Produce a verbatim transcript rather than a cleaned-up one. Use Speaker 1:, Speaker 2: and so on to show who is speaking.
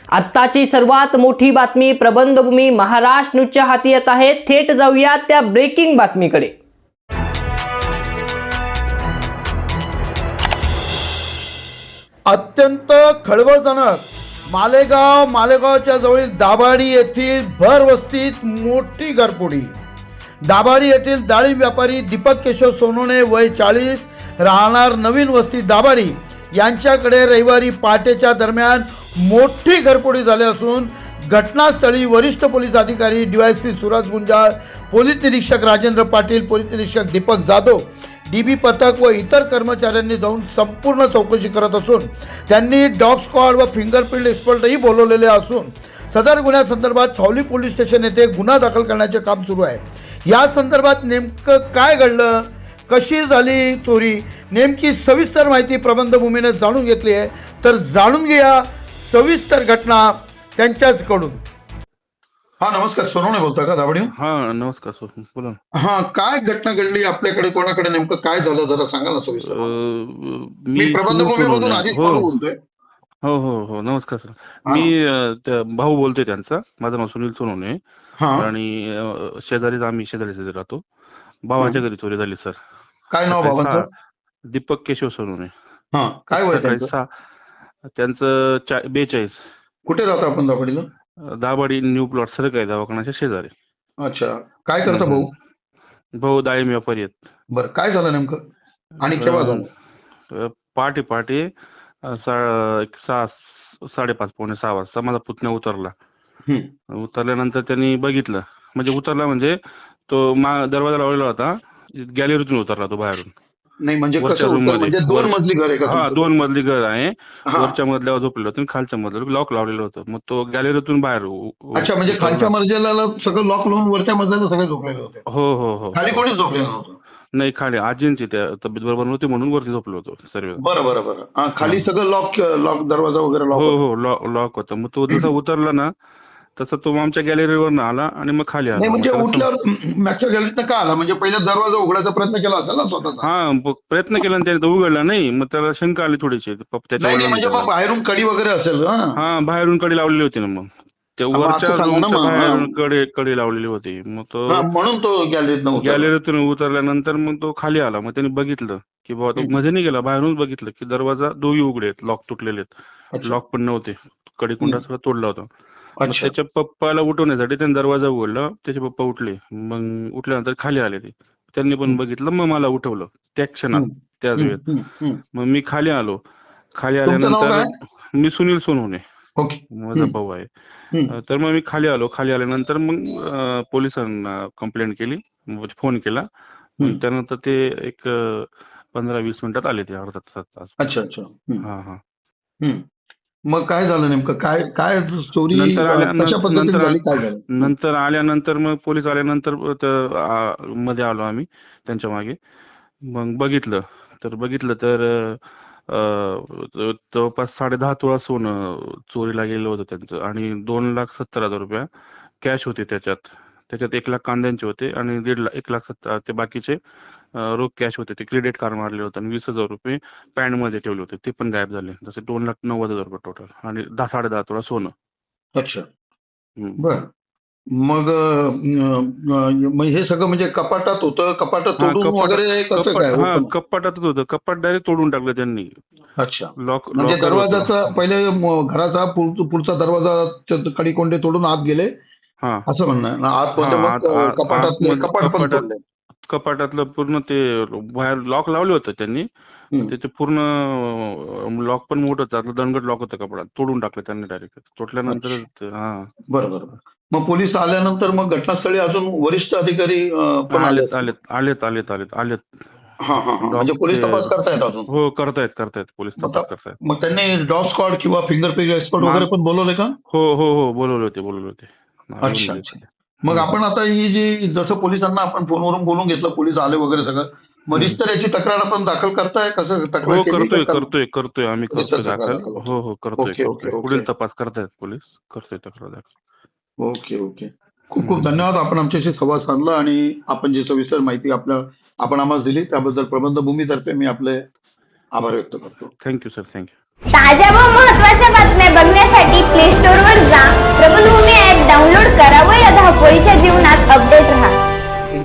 Speaker 1: आत्ताची सर्वात मोठी बातमी प्रबंधभूमी महाराष्ट्र न्यूजच्या हाती येत आहे। थेट जाऊया त्या ब्रेकिंग बातमीकडे।
Speaker 2: अत्यंत खळबळजनक मालेगाव मालेगावच्या जवळील दाभाडी येथील भरवस्तीत मोठी घरफोडी। दाभाडी येथील डाळिंब व्यापारी दीपक केशव सोनवणे वय चाळीस राहणार नवीन वस्ती दाभाडी यांच्याकडे रविवारी पहाटेच्या दरम्यान मोठी घरफोडी झाली असून घटनास्थळी वरिष्ठ पोलीस अधिकारी डीवायएसपी सुरज गुंजाळ, पोलीस निरीक्षक राजेंद्र पाटील, पोलीस निरीक्षक दीपक जाधव, डीबी पथक व इतर कर्मचाऱ्यांनी जाऊन संपूर्ण चौकशी करत असून त्यांनी डॉग स्क्वॉड व फिंगरप्रिंट एक्सपर्टही बोलवलेले असून सदर गुन्ह्यासंदर्भात छावणी पोलीस स्टेशन येथे गुन्हा दाखल करण्याचे काम सुरू आहे। या संदर्भात नेमकं काय घडलं, कशी झाली चोरी, नेमकी सविस्तर माहिती प्रबंधभूमीने जाणून घेतली आहे। तर जाणून घ्या सविस्तर घटना त्यांच्याचकडून। हा नमस्कार, सोनवणे बोलतोय का दाभाडी?
Speaker 3: हा नमस्कार सर, बोला ना।
Speaker 2: हा काय घटना घडली आपल्याकडे, कोणाकडे नेमकं काय झालं जरा सांगा ना सविस्तर।
Speaker 3: अं,
Speaker 2: मी प्रबंधभूमीमधून
Speaker 3: सोनवणे.
Speaker 2: आधीच
Speaker 3: हो
Speaker 2: फोन बोलतोय।
Speaker 3: हो हो हो नमस्कार सर, मी अं, त्या भाऊ बोलतोय त्यांचा, माझं नाव सुनील सोनवणे
Speaker 2: हा
Speaker 3: आणि अं, शेजारीच आम्ही शेजारी शेजारी राहतो। भावाच्या घरी चोरी झाली सर।
Speaker 2: काय नाव
Speaker 3: सकाळी
Speaker 2: बाबांचं?
Speaker 3: सहा- दीपक केशव सोनवणे।
Speaker 2: हा काय वय
Speaker 3: सकाळी
Speaker 2: त्यांचं?
Speaker 3: सहा त्यांचं चा- बेचाळीस।
Speaker 2: कुठे राहतो आपण दाभाडीला?
Speaker 3: अं, दाभाडी न्यू प्लॉट सरकारी दवाखान्याच्या शेजारी।
Speaker 2: अच्छा, काय करता भाऊ?
Speaker 3: भाऊ डाळिंब व्यापारी आहेत।
Speaker 2: बरं, काय झालं नेमकं आणि केव्हा झालं?
Speaker 3: अं, पहाटे पहाटे अं, सा- एक सहा साडेपाच पावणे सहा वाजता माझा पुतण्या उतरला।
Speaker 2: हम्म.
Speaker 3: उतरल्यानंतर त्यांनी बघितलं, म्हणजे उतरला म्हणजे तो मा दरवाजा लावलेला होता, गॅलरीतून उतरला तो बाहेरून।
Speaker 2: नाही म्हणजे
Speaker 3: वरच्या
Speaker 2: कसं
Speaker 3: room
Speaker 2: होतं,
Speaker 3: मध्ये.
Speaker 2: म्हणजे दोन
Speaker 3: वर-
Speaker 2: मजली घर आहे का
Speaker 3: हा
Speaker 2: तुमचं?
Speaker 3: दोन मजली घर आहे।
Speaker 2: हा.
Speaker 3: वरच्या मजल्यावर झोपलेलं होतं आणि खालच्या मजल्यावर लॉक लावलेलं होतं। मग तो गॅलरीतून बाहेर उ- उ-
Speaker 2: अच्छा, म्हणजे
Speaker 3: उतरला.
Speaker 2: खालच्या मजल्याला सगळं लॉक लावून वरच्या मजल्याला सगळे झोपलेले होते,
Speaker 3: हो हो हो
Speaker 2: खाली कोणीच झोपलेलं नव्हतं?
Speaker 3: नाही, खाली आजींची त्या तब्येत बरोबर नव्हती म्हणून वरती झोपलो होतो सर्व।
Speaker 2: बरं बरं बरं हा, खाली सगळं लॉक लॉक दरवाजा वगैरे लॉक
Speaker 3: हो
Speaker 2: होता.
Speaker 3: हो लॉक लॉक होता। मग तो जसा उतरला ना तसा तो आमच्या गॅलरीवर आला आणि मग खाली आला।
Speaker 2: नाही म्हणजे
Speaker 3: मग त्याला सम-
Speaker 2: उठल्यावर मागच्या गॅलरीतनं का आला? म्हणजे पहिला दरवाजा उघडायचा प्रयत्न केला असेल ना स्वतःचा?
Speaker 3: हा ब- प्रयत्न केला आणि त्याने तो उघडला नाही। मग त्याला शंका आली थोडीशी पप- त्याच्या
Speaker 2: नाही नाही म्हणजे
Speaker 3: वडिलांना
Speaker 2: मग बाहेरून कडी वगैरे असेल ना?
Speaker 3: हा बाहेरून कडी लावलेली होती ना। मग त्या
Speaker 2: मग असं
Speaker 3: वरच्या
Speaker 2: सांगा ना
Speaker 3: रूमच्या
Speaker 2: मग.
Speaker 3: बाहेरून कडे कडी लावलेली होती। मग तो
Speaker 2: हा, म्हणून तो गॅलरीतनं उतरला.
Speaker 3: गॅलरीतून उतरल्यानंतर मग तो खाली आला। मग त्यांनी बघितलं की बाबा तो
Speaker 2: हम्म.
Speaker 3: मध्ये नाही गेला, बाहेरूनच बघितलं की दरवाजा दोन्ही उघडे आहेत, लॉक तुटलेले आहेत,
Speaker 2: अच्छा.
Speaker 3: लॉक पण नव्हते, कडी कुंडा सगळं तोडला होता। मग
Speaker 2: अच्छा.
Speaker 3: त्याच्या पप्पाला उठवण्यासाठी त्यांनी दरवाजा उघडला, त्याचे पप्पा उठले। मग उठल्यानंतर खाली आले ते, त्यांनी पण
Speaker 2: हम्म.
Speaker 3: बघितलं, मग मला उठवलं त्या क्षणात,
Speaker 2: हम्म.
Speaker 3: त्याच
Speaker 2: हम्म.
Speaker 3: वेळेत।
Speaker 2: हम्म. हम्म.
Speaker 3: मग मी खाली आलो। खाली
Speaker 2: तुमचं नाव
Speaker 3: आल्यानंतर मी सुनील सोनवणे,
Speaker 2: ओके.
Speaker 3: माझा
Speaker 2: हम्म.
Speaker 3: भाऊ आहे।
Speaker 2: हम्म.
Speaker 3: अं, तर मग मी खाली आलो। खाली आल्यानंतर मग अं, पोलिसांना कंप्लेंट केली, फोन केला। मग
Speaker 2: हम्म.
Speaker 3: त्यानंतर ते एक अं, पंधरा वीस मिनिटात आले, ते अर्धा तास तास।
Speaker 2: अच्छा अच्छा. हम्म.
Speaker 3: हा हा
Speaker 2: हम्म. मग काय झालं नेमकं, काय काय चोरी
Speaker 3: नंतर आल्या
Speaker 2: अं, कशा
Speaker 3: नं-
Speaker 2: पद्धतीने
Speaker 3: नंतर
Speaker 2: झाली, काय झालं?
Speaker 3: नंतर आल्यानंतर मग पोलीस आल्यानंतर त- आ- मध्ये आलो आम्ही त्यांच्या मागे। मग बघितलं तर बघितलं तर अं, जवळपास साडे दहा तोळा सोनं चोरीला गेलं होतं त्यांचं आणि दोन लाख सत्तर हजार रुपया कॅश होते त्याच्यात। त्याच्यात एक लाख कांद्यांचे होते आणि दीड लाख एक लाख सत्तर ते बाकीचे अं, रोख कॅश होते। ते क्रेडिट कार्ड मारले होते आणि वीस हजार रुपये पॅन्ट मध्ये ठेवले होते, ते पण गायब झाले। जसे दोन लाख नव्वद हजार रुपये टोटल आणि दहा साडे दहा तोळा सोनं।
Speaker 2: अच्छा.
Speaker 3: हम्म.
Speaker 2: बर. मग अं, अं, मग हे सगळं म्हणजे कपाटात होतं, कपाटात
Speaker 3: हा
Speaker 2: तोडून
Speaker 3: कपाट
Speaker 2: वगैरे कसं
Speaker 3: कपाट
Speaker 2: काय
Speaker 3: हा
Speaker 2: होतं?
Speaker 3: कपाटातच होतं, कपाट डायरेक्ट तोडून टाकलं त्यांनी।
Speaker 2: अच्छा,
Speaker 3: लॉक
Speaker 2: म्हणजे
Speaker 3: लॉकर होतं।
Speaker 2: दरवाजाचा पहिले म- घराचा पुढ- पुढचा दरवाजा कडी-कोंडे तोडून आत गेले
Speaker 3: हा
Speaker 2: असं म्हणणं आहे ना? आत
Speaker 3: हा
Speaker 2: म्हणजे मग
Speaker 3: आत
Speaker 2: अं,
Speaker 3: आत
Speaker 2: कपाटातले
Speaker 3: आतमध्ये
Speaker 2: कपाट पण
Speaker 3: कपाटात
Speaker 2: तोडले?
Speaker 3: कपाटातलं पूर्ण ते बाहेर लॉक लावले होतं त्यांनी, पण
Speaker 2: हम्म.
Speaker 3: त्याचे पूर्ण लॉक पण मोठं होतं, दणकट लॉक होतं कपाटात, तोडून टाकलं त्यांनी डायरेक्ट तोडल्यानंतर।
Speaker 2: अच्छा.
Speaker 3: हा
Speaker 2: बरं बरं बरं. मग पोलीस आल्यानंतर मग घटनास्थळी अजून वरिष्ठ अधिकारी अं, पण आले
Speaker 3: आलेत
Speaker 2: असतील?
Speaker 3: आलेत आलेत आलेत आलेत आलेत
Speaker 2: हा हा हा, म्हणजे
Speaker 3: डॉग
Speaker 2: पोलीस
Speaker 3: ते
Speaker 2: तपास करतायत अजून?
Speaker 3: हो करतायत करतायत पोलीस
Speaker 2: मग
Speaker 3: तपास
Speaker 2: त-
Speaker 3: करतायत।
Speaker 2: मग त्यांनी डॉग स्क्वॉड किंवा फिंगरप्रिंट एक्सपर्ट
Speaker 3: मा-
Speaker 2: वगैरे पण बोलवले का?
Speaker 3: हो हो हो बोलवले होते बोलवले होते हा, येऊन
Speaker 2: अच्छा
Speaker 3: गेले
Speaker 2: अच्छा.
Speaker 3: ते।
Speaker 2: मग
Speaker 3: हम्म,
Speaker 2: आपण आता ही जी जसं पोलिसांना आपण फोनवरून बोलून घेतलं, पोलीस आले वगैरे सगळं, मग
Speaker 3: हम्म.
Speaker 2: रिस्टर याची तक्रार आपण दाखल करताय? कसं तक्रार
Speaker 3: हो
Speaker 2: केली
Speaker 3: करतोय
Speaker 2: का?
Speaker 3: करतोय करतोय आम्ही
Speaker 2: रिस्टर
Speaker 3: करतोय
Speaker 2: तक्रार
Speaker 3: दाखल।
Speaker 2: दाखल होते.
Speaker 3: हो हो करतोय
Speaker 2: ओके ओके
Speaker 3: करतोय
Speaker 2: ओके
Speaker 3: पुढील तपास करतायत पोलीस, करतोय तक्रार दाखल।
Speaker 2: Okay okay. खूप खूप
Speaker 3: हम्म.
Speaker 2: धन्यवाद, आपण आमच्याशी संवाद साधला आणि आपण जी सविस्तर माहिती आपल्या आपण आम्हाला दिली त्याबद्दल प्रबंधभूमीतर्फे मी आपले आभार व्यक्त करतो.
Speaker 3: Thank you sir, thank you.
Speaker 4: ताज्या व महत्त्वाच्या बातम्या बघण्यासाठी प्ले स्टोअर डाउनलोड